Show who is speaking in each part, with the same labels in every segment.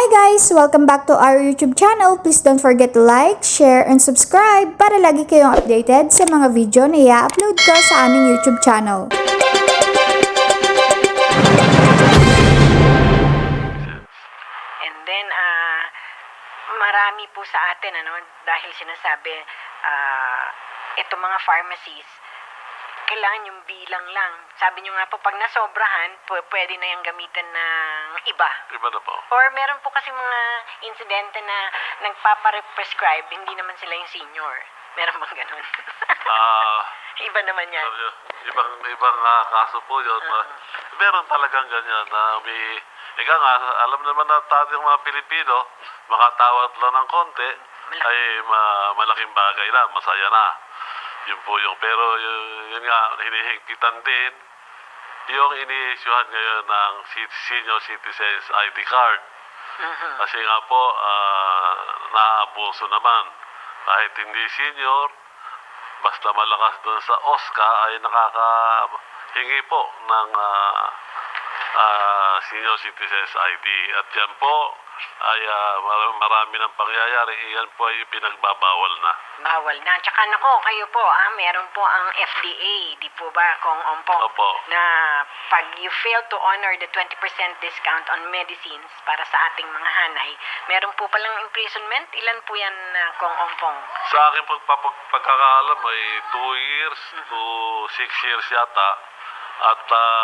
Speaker 1: Hi guys! Welcome back to our YouTube channel. Please don't forget to like, share, and subscribe para lagi kayong updated sa mga video na i-upload ko sa aming YouTube channel.
Speaker 2: And then, marami po sa atin, dahil sinasabi, itong mga pharmacies, kailangan yung bilang lang. Sabi nyo nga po, pag nasobrahan, pwede na yung gamitan ng iba.
Speaker 3: Iba na po.
Speaker 2: Or meron po kasi mga insidente na nagpapare-prescribe, hindi naman sila yung senior. Meron bang ganun? Iba naman yan.
Speaker 3: Ibang kaso po yun. Meron talagang ganyan na may... Ika nga, alam naman na tayo mga Pilipino, makatawad lang ng konti, ay malaking bagay na, masaya na. Yun po yung, pero yun nga, hinihigpitan din yung ini-issuehan ngayon ng senior citizens ID card. Kasi nga po, naabuso naman. Kahit hindi senior, basta malakas doon sa OSCA ay nakakahingi po ng senior citizens ID. At yan po ay marami ng pangyayari. Yan po ay pinagbabawal na.
Speaker 2: Bawal na. Tsaka nako, kayo po, meron po ang FDA, di po ba, Kong Ompong?
Speaker 3: Opo.
Speaker 2: Na pag you fail to honor the 20% discount on medicines para sa ating mga hanay, meron po palang imprisonment. Ilan po yan, Kong Ompong?
Speaker 3: Sa akin pagkakaalam ay 2 years to 6 years yata. At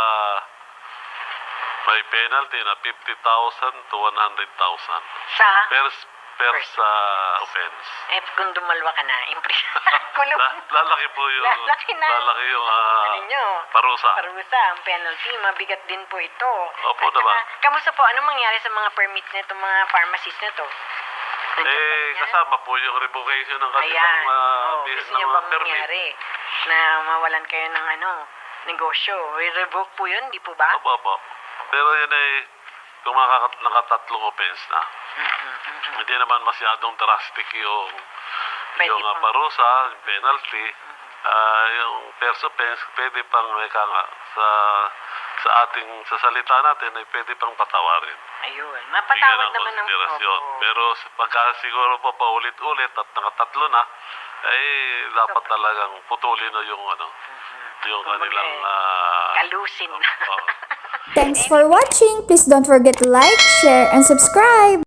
Speaker 3: may penalty na 50,000 to 100,000
Speaker 2: Sa?
Speaker 3: per sa offense.
Speaker 2: Kung dumalwa ka na, kulong.
Speaker 3: Lalaki po yung
Speaker 2: Lalaki na.
Speaker 3: lalaki yung
Speaker 2: nyo?
Speaker 3: parusa.
Speaker 2: Parusa, ang penalty. Mabigat din po ito.
Speaker 3: Opo naman.
Speaker 2: Kamusta po? Anong mangyari sa mga permits nito, mga pharmacies na to?
Speaker 3: Kasama po yung revocation ng kanilang
Speaker 2: gusto nyo bang
Speaker 3: permit.
Speaker 2: mangyari na mawalan kayo ng negosyo? I-revoke po yun, di po ba?
Speaker 3: Opo. Pero yun ay kung nakatatlong offense na. Hindi naman masyadong drastic yung parusa, yung penalty. Yung first offense, pwede pang sa ating sa salita natin ay pwede pang patawarin.
Speaker 2: Ayun, mapatawad naman ng
Speaker 3: Pero pagka siguro po paulit-ulit at nakatatlo na, ay dapat talagang putulin na yung yung kanilang
Speaker 2: kalusin.
Speaker 1: Thanks for watching. Please don't forget to like, share, and subscribe.